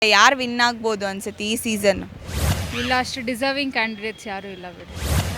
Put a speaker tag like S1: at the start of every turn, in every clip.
S1: ಯಾರು ವಿನ್ ಆಗ್ಬೋದು ಅನ್ಸುತ್ತೆ ಈ ಸೀಸನ್?
S2: ಇಲ್ಲ, ಅಷ್ಟು ಡಿಸರ್ವಿಂಗ್ ಕ್ಯಾಂಡಿಡೇಟ್ಸ್ ಯಾರೂ ಇಲ್ಲ ಬಿಡಿ.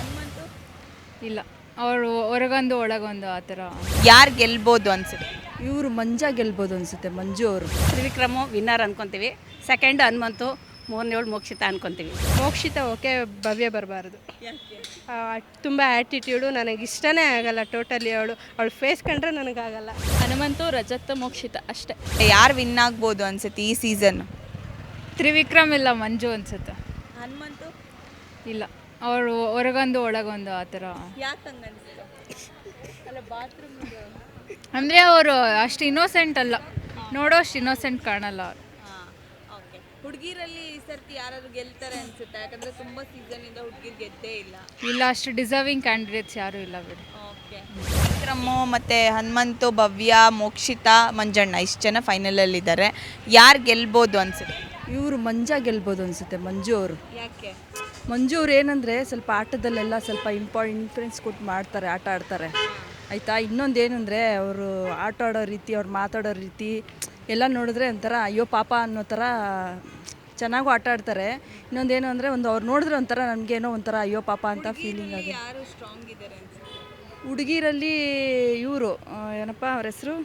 S2: ಇಲ್ಲ, ಅವರು ಹೊರಗೊಂದು ಒಳಗೊಂದು ಆ ಥರ.
S1: ಯಾರು ಗೆಲ್ಬೋದು ಅನ್ಸುತ್ತೆ?
S3: ಇವರು ಮಂಜ ಗೆಲ್ಬೋದು ಅನಿಸುತ್ತೆ, ಮಂಜು ಅವರು.
S4: ತ್ರಿವಿಕ್ರಮು ವಿನ್ನರ್ ಅನ್ಕೊತೀವಿ. ಸೆಕೆಂಡ್ ಹನುಮಂತು, ಮೂರನೇಳು ಮೋಕ್ಷಿತ ಅನ್ಕೊತೀವಿ.
S5: ಮೋಕ್ಷಿತ ಓಕೆ, ಭವ್ಯ ಬರಬಾರ್ದು. ತುಂಬ ಆ್ಯಟಿಟ್ಯೂಡು, ನನಗಿಷ್ಟನೇ ಆಗಲ್ಲ ಟೋಟಲಿ. ಅವಳು ಫೇಸ್ ಕಂಡ್ರೆ ನನಗಾಗಲ್ಲ.
S6: ಹನುಮಂತು, ರಜತ್, ಮೋಕ್ಷಿತ ಅಷ್ಟೇ.
S1: ಯಾರು ವಿನ್ ಆಗ್ಬೋದು ಅನ್ಸುತ್ತೆ ಈ ಸೀಸನ್?
S2: ತ್ರಿವಿಕ್ರಮ್ ಇಲ್ಲ ಮಂಜು ಅನ್ಸುತ್ತೆ.
S1: ಹನುಮಂತು
S2: ಇಲ್ಲ, ಅವರು ಹೊರಗೊಂದು ಒಳಗೊಂದು ಆ ಥರ.
S1: ಯಾಕೆ ಹಂಗೆ ಅನ್ಸುತ್ತೆ? ಅಲ್ಲ, ಬಾತ್ರೂಮ್
S2: ಅಂದರೆ ಅವರು ಅಷ್ಟು ಇನ್ನೋಸೆಂಟ್ ಅಲ್ಲ, ನೋಡೋಷ್ಟು ಇನ್ನೋಸೆಂಟ್ ಕಾಣಲ್ಲ ಅವ್ರು.
S1: ಓಕೆ. ಹುಡುಗಿರಲ್ಲಿ ಈ ಸರ್ತಿ ಯಾರಾದ್ರು ಗೆಲ್ತಾರೆ ಅನ್ಸುತ್ತೆ? ಯಾಕಂದ್ರೆ ತುಂಬಾ ಸೀಸನ್ ಇಂದ ಹುಡುಗಿರ್ ಗೆದ್ದೇ ಇಲ್ಲ.
S2: ಇಲ್ಲ, ಅಷ್ಟು ಡಿಸರ್ವಿಂಗ್ ಕ್ಯಾಂಡಿಡೇಟ್ಸ್ ಯಾರೂ ಇಲ್ಲ ಬಿಡಿ.
S1: ಓಕೆ. ವಿಕ್ರಮು ಮತ್ತೆ ಹನುಮಂತು, ಭವ್ಯ, ಮೋಕ್ಷಿತ, ಮಂಜಣ್ಣ ಇಷ್ಟು ಜನ ಫೈನಲಲ್ಲಿ ಇದ್ದಾರೆ. ಯಾರು ಗೆಲ್ಬೋದು ಅನ್ಸುತ್ತೆ?
S3: ಇವರು ಮಂಜ ಗೆಲ್ಬೋದು ಅನಿಸುತ್ತೆ, ಮಂಜು ಅವರು.
S1: ಯಾಕೆ?
S3: ಮಂಜು ಅವ್ರು ಏನಂದರೆ ಸ್ವಲ್ಪ ಆಟದಲ್ಲೆಲ್ಲ ಸ್ವಲ್ಪ ಇನ್ಫ್ಲುಯೆನ್ಸ್ ಕೊಟ್ಟು ಮಾಡ್ತಾರೆ, ಆಟ ಆಡ್ತಾರೆ ಆಯಿತಾ. ಇನ್ನೊಂದು ಏನಂದರೆ ಅವರು ಆಟ ಆಡೋ ರೀತಿ, ಅವ್ರು ಮಾತಾಡೋ ರೀತಿ ಎಲ್ಲ ನೋಡಿದ್ರೆ ಒಂಥರ ಅಯ್ಯೋ ಪಾಪ ಅನ್ನೋ ಥರ ಚೆನ್ನಾಗೂ ಆಟ ಆಡ್ತಾರೆ. ಇನ್ನೊಂದೇನು ಅಂದರೆ ಅವ್ರು ನೋಡಿದ್ರೆ ಒಂಥರ ನಮಗೇನೋ ಒಂಥರ ಅಯ್ಯೋ ಪಾಪ ಅಂತ ಫೀಲಿಂಗ್ ಆಗುತ್ತೆ.
S1: ಯಾರು ಸ್ಟ್ರಾಂಗ್ ಇದ್ದಾರೆ ಅನ್ಸುತ್ತೆ?
S3: ಹುಡುಗಿರಲ್ಲಿ ಇವರು ಏನಪ್ಪ ಅವ್ರ ಹೆಸರು,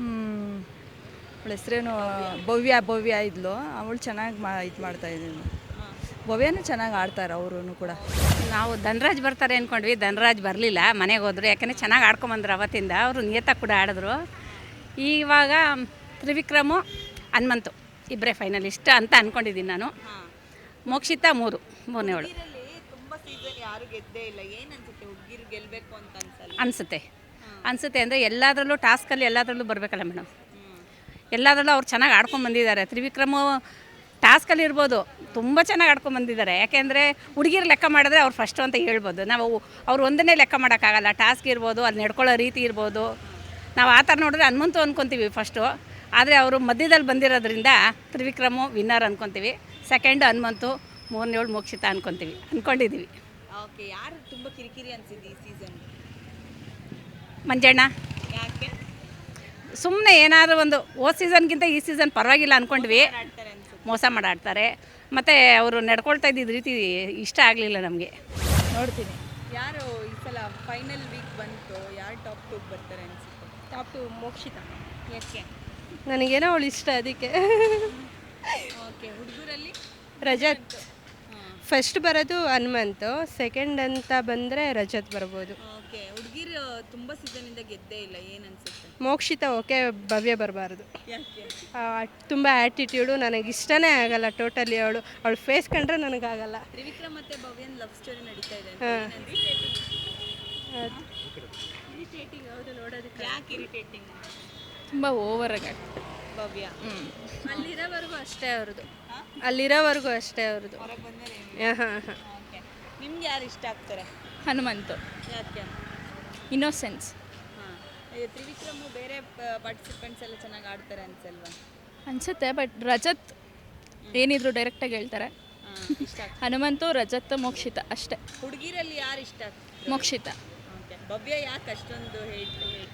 S3: ಅವಳ ಹೆಸ್ರೇನು, ಭವ್ಯ ಇದ್ಲು. ಅವಳು ಚೆನ್ನಾಗಿ ಇದು ಮಾಡ್ತಾಯಿದ್ದೀನಿ. ಭವ್ಯನೂ ಚೆನ್ನಾಗಿ ಆಡ್ತಾರೆ ಅವರು ಕೂಡ.
S4: ನಾವು ಧನರಾಜ್ ಬರ್ತಾರೆ ಅಂದ್ಕೊಂಡ್ವಿ, ಧನರಾಜ್ ಬರಲಿಲ್ಲ, ಮನೆಗೆ ಹೋದ್ರು. ಯಾಕಂದರೆ ಚೆನ್ನಾಗಿ ಆಡ್ಕೊಂಬಂದ್ರು ಅವತ್ತಿಂದ. ಅವರು ನಿಯತ ಕೂಡ ಆಡಿದ್ರು. ಇವಾಗ ತ್ರಿವಿಕ್ರಮು, ಹನುಮಂತು ಇಬ್ಬರೇ ಫೈನಲಿಸ್ಟ್ ಅಂತ ಅಂದ್ಕೊಂಡಿದ್ದೀನಿ ನಾನು. ಮೋಕ್ಷಿತ ಮೂರನೇಳು
S1: ತುಂಬಾ ಸೀಸನ್ ಯಾರು ಗೆದ್ದೇ ಇಲ್ಲ. ಏನು ಅನ್ಸುತ್ತೆ, ಹುಡುಗಿರು ಗೆಲ್ಲಬೇಕು ಅಂತ
S4: ಅನಿಸುತ್ತೆ ಅಂದರೆ ಎಲ್ಲದರಲ್ಲೂ ಟಾಸ್ಕಲ್ಲಿ ಎಲ್ಲದರಲ್ಲೂ ಬರಬೇಕಲ್ಲ ಮೇಡಮ್. ಎಲ್ಲದರಲ್ಲೂ ಅವ್ರು ಚೆನ್ನಾಗಿ ಆಡ್ಕೊಂಬಂದಿದ್ದಾರೆ. ತ್ರಿವಿಕ್ರಮು ಟಾಸ್ಕಲ್ಲಿ ಇರ್ಬೋದು, ತುಂಬ ಚೆನ್ನಾಗಿ ಆಡ್ಕೊಂಬಂದಿದ್ದಾರೆ. ಯಾಕೆಂದರೆ ಹುಡುಗಿರು ಲೆಕ್ಕ ಮಾಡಿದ್ರೆ ಅವ್ರು ಫಸ್ಟು ಅಂತ ಹೇಳ್ಬೋದು. ನಾವು ಅವ್ರು ಒಂದನ್ನೇ ಲೆಕ್ಕ ಮಾಡೋಕ್ಕಾಗಲ್ಲ. ಟಾಸ್ಕ್ ಇರ್ಬೋದು, ಅಲ್ಲಿ ನಡ್ಕೊಳ್ಳೋ ರೀತಿ ಇರ್ಬೋದು. ನಾವು ಆ ಥರ ನೋಡಿದ್ರೆ ಹನುಮಂತು ಅಂದ್ಕೊತೀವಿ ಫಸ್ಟು. ಆದರೆ ಅವರು ಮಧ್ಯದಲ್ಲಿ ಬಂದಿರೋದ್ರಿಂದ ತ್ರಿವಿಕ್ರಮು ವಿನ್ನರ್ ಅಂದ್ಕೊತೀವಿ. ಸೆಕೆಂಡ್ ಹನುಮಂತು, ಮೂರನೇಳು ಮೋಕ್ಷಿತ ಅಂದ್ಕೊಂಡಿದ್ದೀವಿ.
S1: ಓಕೆ. ಯಾರು ತುಂಬ ಕಿರಿಕಿರಿ ಅನ್ಸಿದೆ ಈ ಸೀಸನ್?
S4: ಮಂಜಣ್ಣ.
S1: ಯಾಕೆ?
S4: ಸುಮ್ಮನೆ ಏನಾದರೂ ಒಂದು ಸೀಸನ್ಗಿಂತ ಈ ಸೀಸನ್ ಪರವಾಗಿಲ್ಲ ಅಂದ್ಕೊಂಡ್ವಿ.
S1: ಆಡ್ತಾರೆ ಅನ್ಸುತ್ತೆ.
S4: ಮೋಸ ಮಾಡಾಡ್ತಾರೆ. ಮತ್ತು ಅವರು ನಡ್ಕೊಳ್ತಾ ಇದ್ದಿದ್ದ ರೀತಿ ಇಷ್ಟ ಆಗಲಿಲ್ಲ ನಮಗೆ.
S1: ನೋಡ್ತೀನಿ. ಯಾರು ಈ ಸಲ ಫೈನಲ್ ವೀಕ್ ಬಂತು, ಯಾರು ಟಾಪ್ 2 ಬರ್ತಾರೆ ಅನ್ಸುತ್ತೆ?
S5: ಟಾಪ್ 2 ಮೋಕ್ಷಿತ.
S1: ಯಾಕೆ?
S5: ನನಗೇನೋ ಅವಳು ಇಷ್ಟ, ಅದಕ್ಕೆ.
S1: ಓಕೆ. ಹುಡುಗರಲ್ಲಿ
S5: ರಜತ್. ಫಸ್ಟ್ ಬರೋದು ಹನುಮಂತು, ಸೆಕೆಂಡ್ ಅಂತ ಬಂದರೆ ರಜತ್ ಬರ್ಬೋದು.
S1: ಓಕೆ. ಹುಡುಗಿರು ತುಂಬ ಸೀಸನಿಂದ ಗೆದ್ದೇ ಇಲ್ಲ. ಏನು ಅನ್ಸುತ್ತೆ?
S5: ಮೋಕ್ಷಿತ ಓಕೆ, ಭವ್ಯ ಬರಬಾರ್ದು.
S1: ಯಾಕೆ?
S5: ತುಂಬ ಆ್ಯಟಿಟ್ಯೂಡು, ನನಗಿಷ್ಟನೇ ಆಗಲ್ಲ ಟೋಟಲಿ. ಅವಳು ಫೇಸ್ ಕಂಡ್ರೆ ನನಗಾಗಲ್ಲ.
S1: ತ್ರಿವಿಕ್ರಮ್ ಮತ್ತೆ ಭವ್ಯನ್ ಲವ್ ಸ್ಟೋರಿ ನಡೀತಾ ಇದೆ.
S5: ಇರಿಟೇಟಿಂಗ್. ಹೌದು, ನೋಡೋದಕ್ಕೆ.
S1: ಯಾಕೆ ಇರಿಟೇಟಿಂಗ್?
S6: ತುಂಬ ಓವರಾಗಿ
S1: ಭವ್ಯ
S5: ಅಲ್ಲಿರೋವರೆಗೂ ಅಷ್ಟೇ ಅವ್ರದ್ದು.
S1: ಹೊರಗೆ ಬಂದರೆ
S5: ಹಾಂ.
S1: ಓಕೆ. ನಿಮ್ಗೆ ಯಾರು ಇಷ್ಟ ಆಗ್ತಾರೆ?
S6: ಹನುಮಂತು,
S1: ಯಾಕೆ?
S6: ಇನ್ನೋಸೆನ್ಸ್
S1: ಹಾಂ. ತ್ರಿವಿಕ್ರಮು ಬೇರೆ ಪಾರ್ಟಿಸಿಪೆಂಟ್ಸ್ ಎಲ್ಲ ಚೆನ್ನಾಗಿ ಆಡ್ತಾರೆ ಅನ್ಸಲ್ವಾ?
S6: ಅನಿಸುತ್ತೆ. ಬಟ್ ರಜತ್ ಏನಿದ್ರು ಡೈರೆಕ್ಟಾಗಿ ಹೇಳ್ತಾರೆ.
S1: ಇಷ್ಟ ಆಗ್ತದೆ.
S6: ಹನುಮಂತು, ರಜತ್, ಮೋಕ್ಷಿತ ಅಷ್ಟೇ.
S1: ಹುಡುಗಿರಲ್ಲಿ ಯಾರು ಇಷ್ಟ ಆಗ್ತದೆ?
S6: ಮೋಕ್ಷಿತ.
S1: ಓಕೆ. ಭವ್ಯ ಯಾಕೆ ಅಷ್ಟೊಂದು ಹೇಟ್?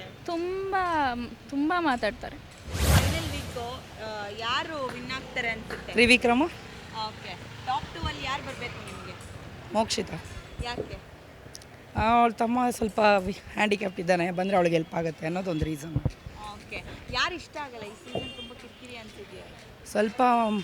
S6: ತುಂಬ ಮಾತಾಡ್ತಾರೆ.
S1: ಫೈನಲ್ ವೀಕು ಯಾರು ವಿನ್ ಆಗ್ತಾರೆ ಅನ್ಸುತ್ತೆ?
S7: ತ್ರಿವಿಕ್ರಮ.
S1: ಓಕೆ. ಟಾಪ್ 2 ಅಲ್ಲಿ ಯಾರು ಬರಬೇಕು ನಿಮಗೆ?
S7: ಮೋಕ್ಷಿತ.
S1: ಯಾಕೆ?
S7: ಅವಳ ತಮ್ಮ ಸ್ವಲ್ಪ ಹ್ಯಾಂಡಿಕ್ಯಾಪ್ಟ್ ಇದ್ದಾನೆ, ಬಂದರೆ ಅವಳಿಗೆ ಹೆಲ್ಪ್ ಆಗುತ್ತೆ ಅನ್ನೋದೊಂದು ರೀಸನ್.
S1: ಓಕೆ. ಯಾರು ಇಷ್ಟ ಆಗಲ್ಲ ಈ ಸೀಸನ್? ತುಂಬ ಕಿರಿಕಿರಿ ಅನ್ಸಿದೆಯಾ?
S7: ಸ್ವಲ್ಪ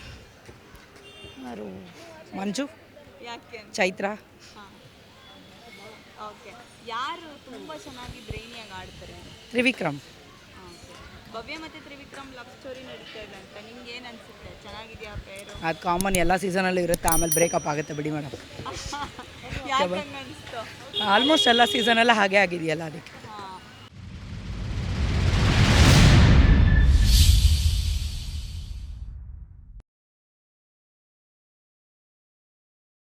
S7: ಯಾರು, ಮಂಜು,
S1: ಯಾಕೆ?
S7: ಚೈತ್ರ.
S1: ಹಾಂ. ಓಕೆ. ಯಾರು ತುಂಬ ಚೆನ್ನಾಗಿ ಬ್ರೈನಿಯಾಗಿ ಆಡ್ತಾರೆ?
S7: ತ್ರಿವಿಕ್ರಮ್.
S1: ಓಕೆ. ಭವ್ಯ ಮತ್ತು ತ್ರಿವಿಕ್ರಮ್ ಲವ್ ಸ್ಟೋರಿ ನಡೀತಾ ಇದೆ ಅಂತ ನಿಮ್ಗೆ ಏನು ಅನಿಸುತ್ತೆ? ಚೆನ್ನಾಗಿದೆಯಾ ಪೇರು?
S7: ಅದು ಕಾಮನ್, ಎಲ್ಲ ಸೀಸನಲ್ಲೂ ಇರುತ್ತೆ, ಆಮೇಲೆ ಬ್ರೇಕಪ್ ಆಗುತ್ತೆ ಬಿಡಿ ಮೇಡಮ್.
S1: ಯಾಕೆ ಹಂಗೆ ಅನಿಸ್ತು?
S7: ಆಲ್ಮೋಸ್ಟ್ ಎಲ್ಲ ಸೀಸನೆಲ್ಲ ಹಾಗೆ ಆಗಿದೆಯಲ್ಲ ಅದಕ್ಕೆ.